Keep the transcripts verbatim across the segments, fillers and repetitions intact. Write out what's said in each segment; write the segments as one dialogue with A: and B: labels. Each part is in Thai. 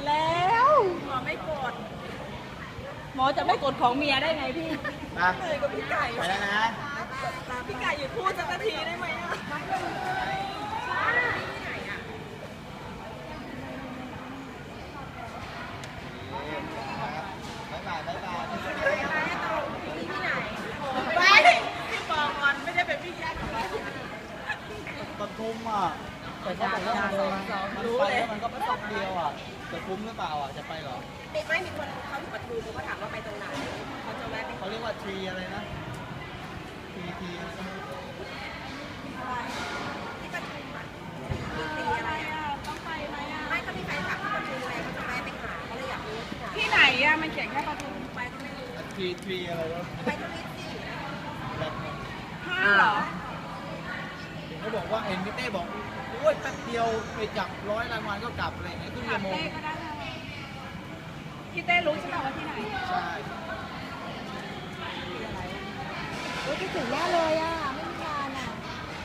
A: แล้วหมอไม่กดหมอจะไม่กดของเมียได้ไงพี่เลยกับพี่ไก่
B: ไปแล้วนะ
A: พี่ไก่อยู่พูดสักนาทีได้ไหมอ่ะ
B: บ๊ายบายบ๊ายบาย
A: ที่ไหนไปพี่ปองอนไม่ได้เป็นพี่แจ๊ค
B: ปทุมอ่ะแต่เขาบอกว่ามันไปแล้วมันก็ไปตกเดียวอ่ะจะคุ้มหรือเปล่าอ่ะจะไปหรอ
A: ไม่ไม่มีคนเขาอยู่ปทุมเขาถามว่าไปตรงไหนเขาจะแวะ
B: เขาเรียกว่าทรีอะไรนะทรีทรี
A: ที่ปทุมอ่ะทรีอะไรอ่ะต้องไปไหมอ่ะไม่เขามีใครถามที่ปทุมเลยเขาจะแวะไปหาเขาเลยอยากรู้ที่ไหนอ่ะมันเขียนแค่ปทุมไปก็ไม่รู้
B: ทรีทรีอะไรวะ
A: ไปทวิตสิ
B: แบบ
A: ห้าเหรอ
B: เขาบอกว่าเห็นพี่เต้บอกโอ้ยแป๊บเดียวไปจับร้อยรางวัลก็กลับอะไรอย่างเงี้ยครึ่งชั่วโมง
A: พี่เต้รู้ใช่ไหมว่าที่ไหน
B: ใช่
A: โอ้ยคิดถึงแน่เลยอ่ะไม่มีงานอ่ะ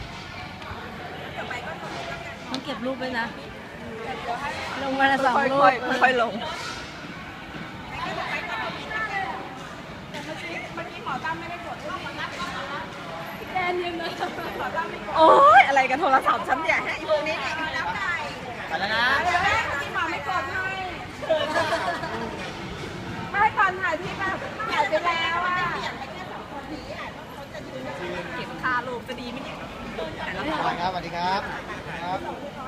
A: ต้องเก็บรูปไว้นะลงมาละสองรูปค่อยลงแดนยังไงโอ้ยอะไรกันโทรศัพท์ฉันเนี่ยให้อีพวกนี้เนี่ยแล้วไก่
B: ไปแล้วนะ
A: พี่หมอไม่กดให้ไม่ให้ก่อนถ่ายพี่แบบถ่ายไปแล้วอ่ะเก็บคาลูกจะดีไหมเนี่ย
B: สวัสดีครับสวัสดีครับครับ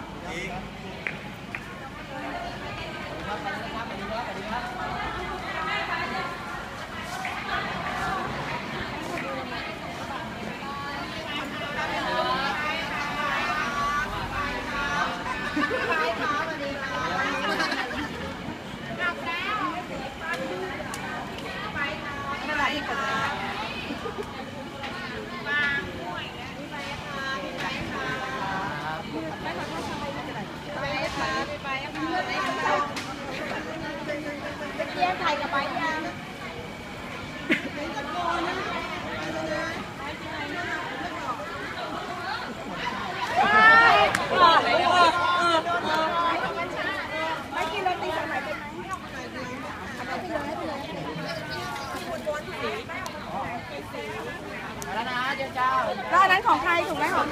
A: เรียกไทยกับไปยังไม่กินโรตีสายไหมเป็นไหมเอาไปเลยให้ไปเลย
B: แล้วนะเจ้าเจ้า
A: แล้วอันนั้นของใครถูกไหมของ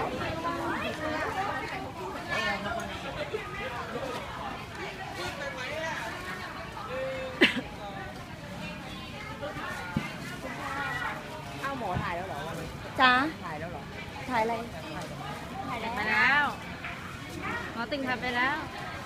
A: หมอถ่ายแล้วเหรอจ้าถ่ายแล้วเหรอถ่ายอะไรถ่ายไปแล้วหมอติงถ่ายไปแล้ว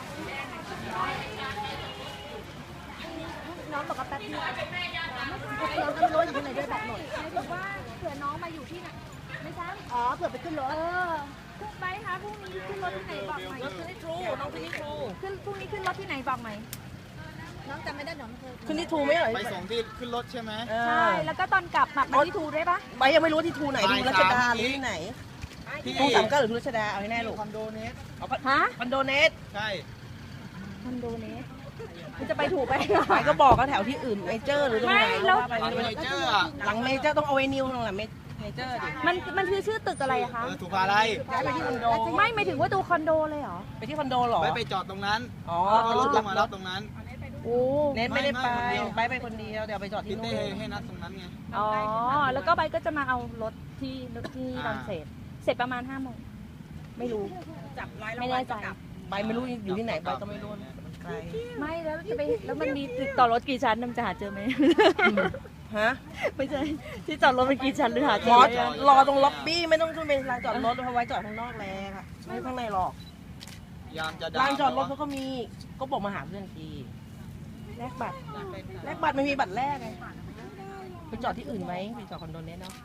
A: น้องบอกว่าแป๊บนึงน้องก็ไม่รู้อยู่ที่ไหนด้วยแบบหมดบอกว่าเผื่อน้องมาอยู่ที่ไหนไม่ใช่อ๋อเผื่อไปขึ้นรถเออพรุ่งไปคะพรุ่งนี้ขึ้นรถที่ไหนบอกหน่อยขึ้นที่ทรูน้องขึ้นที่ทรูขึ้นพรุ่งนี้ขึ้นรถที่ไหนบอกไหมน้องจำไม่ได้น้องเคย
C: ขึ้นที่ทูไม่เหรอ
B: ไปส่งที่ขึ้นรถใช่ไหม
A: ใช่แล้วก็ตอนกลับมาที่ทูได้ปะ
C: ใบยังไม่รู้ที่ทูไหนดูรัชดาหรือที่ไหนทูสามเก้าหรือทูรัชดาเอาให้แน่ลูก
B: คอนโดเนส
C: ฮะคอนโดเนส
B: ใช่
A: คอนโดเนสมันจะไปถูกไป
C: ไปก็บอกเขาแถวที่อื่นเมเจอร์หรือตรงไหน
B: หลังเมเจอร์อ่ะ
C: หลังเมเจอร์ต้องเอาไว้นิวตรงหลังเมเจอร์ดิ
A: มันมันคือชื่อตึกอะไรอะคะ
B: ถูกอะไร
C: ย้ายไปที่คอนโด
A: ไม่ไม่ถึงว่าดูคอนโดเลยเหรอ
C: ไปที่คอนโดหรอ
B: ไม่ไปจอดตรงนั้น
C: อ๋อ
B: รถลงมารับตรงนั้น
C: โอ้เน็ตไม่ได้ไปไปไปคนเดียวเดี๋ยวไปจอดที่
B: นู่นให้นัดตรงนั้นไง
A: อ๋อแล้วก็ใบก็จะมาเอารถที่รถที่ตอนเสร็จเสร็จประมาณห้าโมงไม่รู้
C: จับไล่ไม่แน่ใจใบไม่รู้อยู่ที่ไหนใบก็ไม่รู้
A: ไม่แล้วจะไปแล้วมันมีติดต่อรถกี่ชั้นนำจะหาเจอไหม
C: ฮะ
A: ไม่ใช่ที่จอดรถเป็นกี่ชั้นหรือหาเจอ
C: รอตรงล็อบบี้ไม่ต้องขึ้นเป็นลานจอดรถเพราะไว้จอดข้างนอกแล้วค่ะไม่ข้างในหรอก
B: ยามจะ
C: ลานจอดรถเขาก็มีก็บอกมาหาเพื่อนทีแลกบัตรแลกบัตรไม่มีบัตรแรกไงไปจอดที่อื่นไหมไปจอดคอนโดเนี้ยเนาะ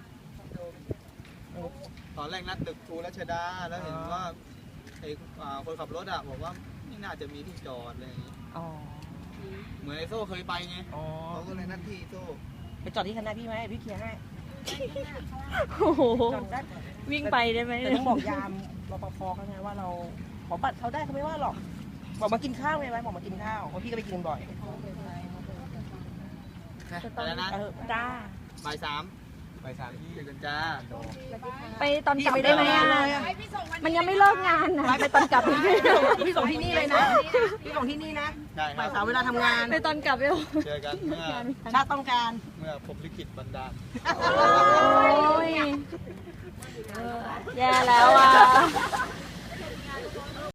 B: ตอนแรกนัดตึกทูรัชดาแล้วเห็นว่าไอ้คนขับรถอ่ะบอกว่าไม่น่าจะมีที่จอดอะไรอย่างงี้เหมือนไอโซ่เคยไปไงเขาก็เลยนัดที่โซ่
C: ไปจอดที่คณะพี่ไหมพี่เคลียร์ให้
A: โอ้โหวิ่งไปได้ไหม
C: แต่ต้องบอกยามรปภเขาไงว่าเราขอบัตรเขาได้เขาไม่ว่าหรอกบอกมากินข้าวไงไว้บอกมากินข้าวเพราะพี่ก็ไปกินบ่อย
B: ไปแล้วนะ
A: จ้า
B: บ่ายสามไปสามที่เจอกันจ้า
A: ไปตอนกลับได้ไหมอ่ะมันยังไม่เลิกงานนะไปตอนกลับ
C: พี่ส่งที่นี่เลยนะพี่ส่งที่นี่นะ
B: ได้ค
C: บ่า
B: รั
C: ย
B: บ
C: สามเวลาทำงาน
A: ไปตอนกลับเร็ว
B: เจอกันเมื่อ
C: ชาติต้องการ
B: เมื่อผมลิขิตบันดาล
A: โอ้ยแย่แล้ว